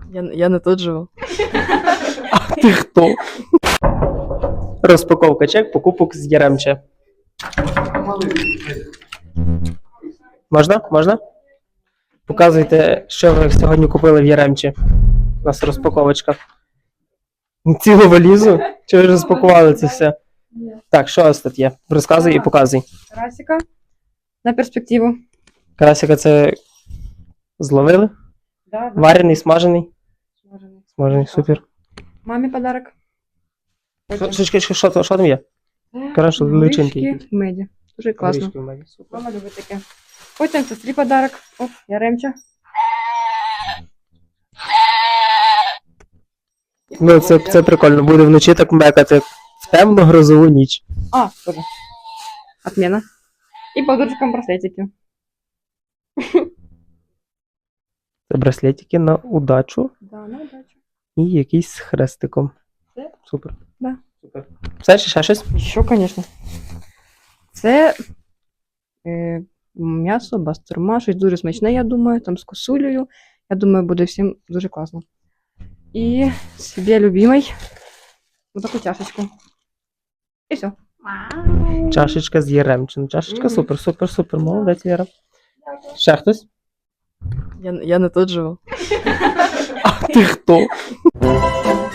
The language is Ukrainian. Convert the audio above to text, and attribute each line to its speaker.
Speaker 1: Я не тут живу.
Speaker 2: А ти хто? Розпаковка чек, покупок з Яремче. Можна? Можна? Показуйте, що ви сьогодні купили в Яремче. У нас розпаковочка. Цілу валізу? Чи ви розпакували це все? Так, що у вас тут є? Розказуй і показуй.
Speaker 1: Карасика на перспективу.
Speaker 2: Карасика це зловили?
Speaker 1: Да,
Speaker 2: Варений, смажений?
Speaker 1: смажений.
Speaker 2: Смажений, супер.
Speaker 1: Мамі подарок.
Speaker 2: Що там є? Коротше, личинки
Speaker 1: Горішки
Speaker 2: якісь.
Speaker 1: в меді. Дуже класно.
Speaker 2: Горішки в мене, супер.
Speaker 1: Мама любить таке. Потім сестрі подарок. Оп, Яремча.
Speaker 2: Ну, це прикольно. Буде вночі так мекати в темну грозову ніч.
Speaker 1: А, тоже. Отмена. І подружкам браслетики.
Speaker 2: Це браслетики на удачу
Speaker 1: Да, на удачу.
Speaker 2: і якийсь з хрестиком.
Speaker 1: Все?
Speaker 2: Супер.
Speaker 1: Да.
Speaker 2: Супер. Все, чи ще щось?
Speaker 1: Що, звісно. Це м'ясо, бастурма, щось дуже смачне, я думаю, там з косулею. Я думаю, буде всім дуже класно. І собі любимий отаку чашечку. І все.
Speaker 2: Чашечка з Яремчин. Чашечка супер, супер, супер. Молодець, Віра. Ще хтось?
Speaker 1: Я не тут живу.
Speaker 2: А ти хто?